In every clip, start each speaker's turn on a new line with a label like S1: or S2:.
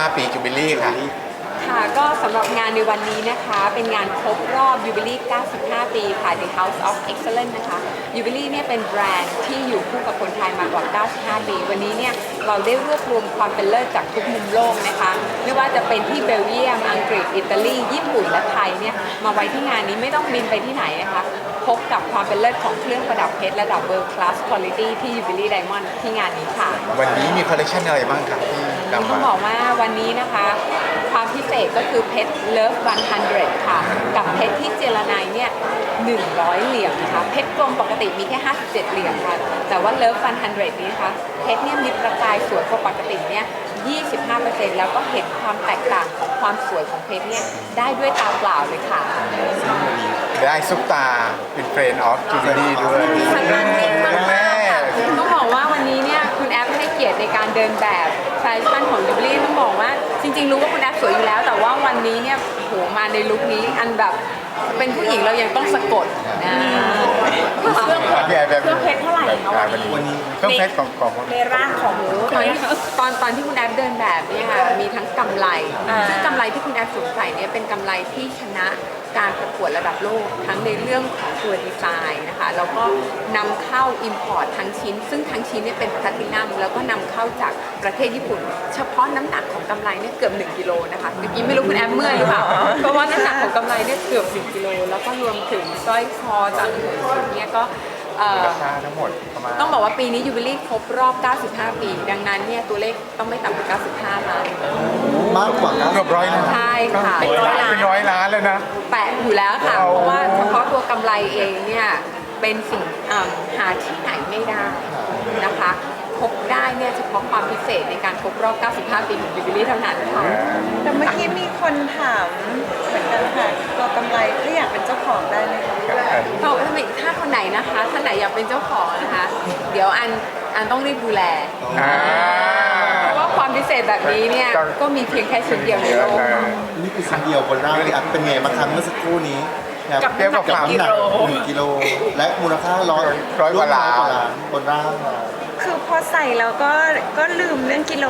S1: 95 ปีจูบิลี่ค่ะ
S2: ค่ะก็สำหรับงานในวันนี้นะคะเป็นงานครบรอบยูบิลี่ 95 ปีค่ะ The House of Excellence นะคะยูบิลี่เนี่ยเป็นแบรนด์ที่อยู่คู่กับคนไทยมากว่า 95 ปี วันนี้เนี่ยเราได้รวบรวมความเป็นเลิศจากทุกมุมโลกนะคะไม่ว่าจะเป็นที่เบลเยียมอังกฤษอิตาลีญี่ปุ่นและไทยเนี่ยมาไว้ที่งานนี้ไม่ต้องบินไปที่ไหนนะคะพบกับความเป็นเลิศของเครื่องประดับเพชรระดับ World Class Quality ที่ Jubilee Diamond ที่งานนี้ค่ะ
S1: วันนี้มีคอลเลคชันอะไรบ้างครับที่นำ
S2: ต้อ
S1: มาง
S2: บอกว่าวันนี้นะคะความพิเศษก็คือเพชรเลิฟ100ค่ะกับเพชรที่เจรไนเนี่ย100เหรียญนะคะเพชรกลมปกติมีแค่57เหรียญค่ะแต่ว่าเลิฟ100นี้นะคะเพชรเนี่ยมีประกายสวยกว่าปกติเนี่ย25%แล้วก็เห็นความแตกต่างของความสวยของเพชรเนี่ยได้ด้วยตาเปล่าเลยค่ะ
S1: ได้ซุปตาเป็นเฟรนด์ออฟจูบิลี่ด้วย
S2: แม่ต้องบอกว่าวันนี้เนี่ยคุณแอฟให้เกียรติในการเดินแบบแฟชั่นของจูบิลี่ต้องบอกว่าจริงๆรู้ว่าคุณแอฟสวยอยู่แล้วแต่ว่าวันนี้เนี่ยโหมาในลุคนี้อันแบบเป็นผู้หญิงเรายังต้องสะกดนะ
S3: เครื่องเพชรเท่าไหร่คะวันนี้
S1: เครื่องเพชรของ
S3: ในร่างของ
S2: ตอนที่คุณแอฟเดินแบบเนี่ยค่ะมีทั้งกำไรซึ่งกำไรที่คุณแอฟสวมใส่เนี่ยเป็นกำไรที่ชนะการประกวดระดับโลกทั้งในเรื่องของตัวดีไซน์นะคะแล้วก็นำเข้า import ทั้งชิ้นซึ่งทั้งชิ้นเนี่ยเป็นแพลตินัมแล้วก็นำเข้าจากประเทศญี่ปุ่นเฉพาะน้ำหนักของกำไรเนี่ยเกือบ1กิโลนะคะเมื่อกี้ไม่รู้คุณแอฟเมื่อยหรือเปล่าเพราะว่าน้ำหนักของกำไรเนี่ยเกือบ1กิโลแล้วก็รวมถึงสร้อยคอจากหัวชุดเนี่ยก็
S1: ราคาทั้งหมดประมาณ
S2: ต้องบอกว่าปีนี้ยูบิลี่ครบรอบ 95 ปีดังนั้นเนี่ยตัวเลขต้องไม่ต่ำกว่า 95 ล้าน
S4: มากกว่า
S1: เกือบ100 ล้าน
S2: ใช่ค่ะ
S1: เป็น100 ล้านแล้วนะ
S2: แปะอยู่แล้วค่ะเพราะว่าเฉพาะตัวกำไรเองเนี่ยเป็นสิ่งหาที่ไหนไม่ได้นะคะพบได้เนี่ยเฉพาะความพิเศษในการครบรอบ 95 ปีของยูบิลี่เท่านั้นค่ะ
S3: แต่เมื่อกี้มีคนถามเหมือนกันค่ะตัวกำไรถ้าอยากเป็นเจ้าของได้ไหมคะ
S2: บอกว่าถ้าคนไหนนะคะท่านไหนอยากเป็นเจ้าของนะคะเดี๋ยวอันต้องรีบดูแลเพราะว่าความพิเศษแบบนี้เนี่ยก็มีเพียงแค่ชิ้นเดียวในโลก
S4: นี่คือชิ้นเดียวบนร่างที่อัพเป็นไงมาครั้งเมื่อสักครู่นี้
S3: กับน้ำหนัก
S4: 1 กิโลและมูลค่า100 กว่าล้านบนร่าง
S3: คือพอใส่แล้วก็ลืมเรื่องกิโล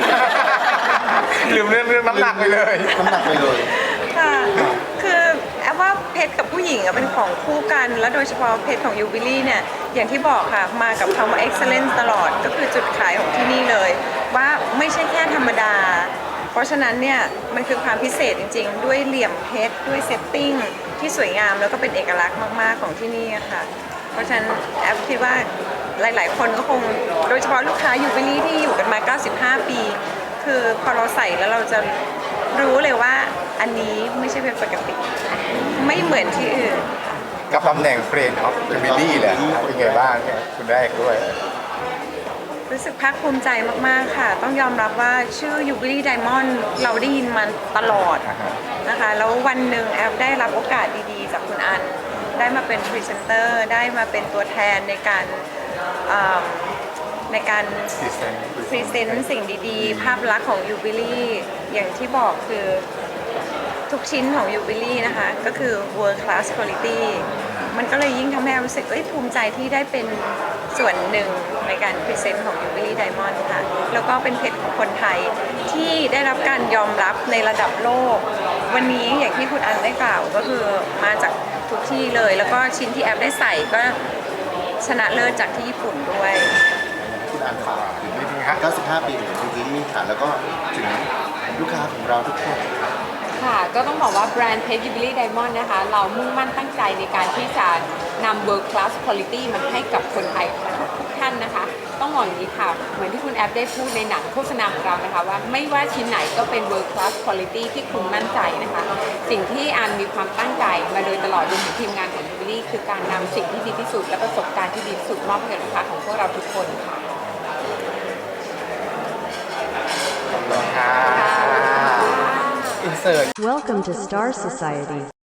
S1: ลืมเรื่องน้ำหนักไปเลย
S3: ค่ะคือแอบว่าเพชรกับผู้หญิงเป็นของคู่กันแล้วโดยเฉพาะเพชรของยูบิลี่เนี่ยอย่างที่บอกค่ะมากับคำว่า excellence ตลอดก็คือจุดขายของที่นี่เลยว่าไม่ใช่แค่ธรรมดาเพราะฉะนั้นเนี่ยมันคือความพิเศษจริงๆด้วยเหลี่ยมเพชรด้วยเซตติ้งที่สวยงามแล้วก็เป็นเอกลักษณ์มากๆของที่นี่ค่ะเพราะฉะนั้นแอฟคิดว่าหลายๆคนก็คงโดยเฉพาะลูกค้ายูบิลี่ที่อยู่กันมา 95 ปีคือพอเราใส่แล้วเราจะรู้เลยว่าอันนี้ไม่ใช่เป็นปกติไม่เหมือนที่อื่น
S1: กับตำแหน่งเฟรนด์ออฟจูบิลี่แหละเป็นไงบ้างคุณแรกด้วย
S3: รู้สึกภาคภูมิใจมากๆค่ะต้องยอมรับว่าชื่อ Jubilee Diamond เราได้ยินมันตลอดนะคะแล้ววันหนึ่งแอฟได้รับโอกาสดีๆจากคุณอันได้มาเป็นพรีเซนเตอร์ได้มาเป็นตัวแทนในการพรีเซนต์สิ่งดีๆภาพลักษณ์ของ Jubilee อย่างที่บอกคือทุกชิ้นของ Jubilee นะคะก็คือ World Class Quality มันก็เลยยิ่งทำให้รู้สึกภูมิใจที่ได้เป็นส่วนหนึ่งในการพรีเซนต์ของ Jubilee Diamond ค่ะแล้วก็เป็นเพชรของคนไทยที่ได้รับการยอมรับในระดับโลกวันนี้อย่างที่คุณอันได้กล่าวก็คือมาจากทุกที่เลยแล้วก็ชิ้นที่แอฟได้ใส่ก็ชนะเลิศจากที่ญี่ปุ่นด้วย
S4: คุณอันฝากถึง95 ปีของยูบิลี่ค่ะแล้วก็ถึงลูกค้าของเราทุกคน
S2: ค่ะก็ต้องบอกว่าแบรนด์เพชร Jubilee Diamond นะคะเรามุ่งมั่นตั้งใจในการที่จะนำ World Class Quality มาให้กับคนไทยทุกท่านนะคะต้องบอกอย่างนี้ค่ะเหมือนที่คุณแอฟได้พูดในหนังโฆษณาของเรานะคะว่าไม่ว่าชิ้นไหนก็เป็น World Class Quality ที่คุณมั่นใจนะคะสิ่งที่อันมีความตั้งใจมาโดยตลอดรวมถึงทีมงานของ Jubilee คือการนำสิ่งที่ดีที่สุดและประสบการณ์ที่ดีที่สุดมอบให้กับลูกค้าของพวกเราทุกคนค่ะ
S1: Insert
S5: Welcome to Star Society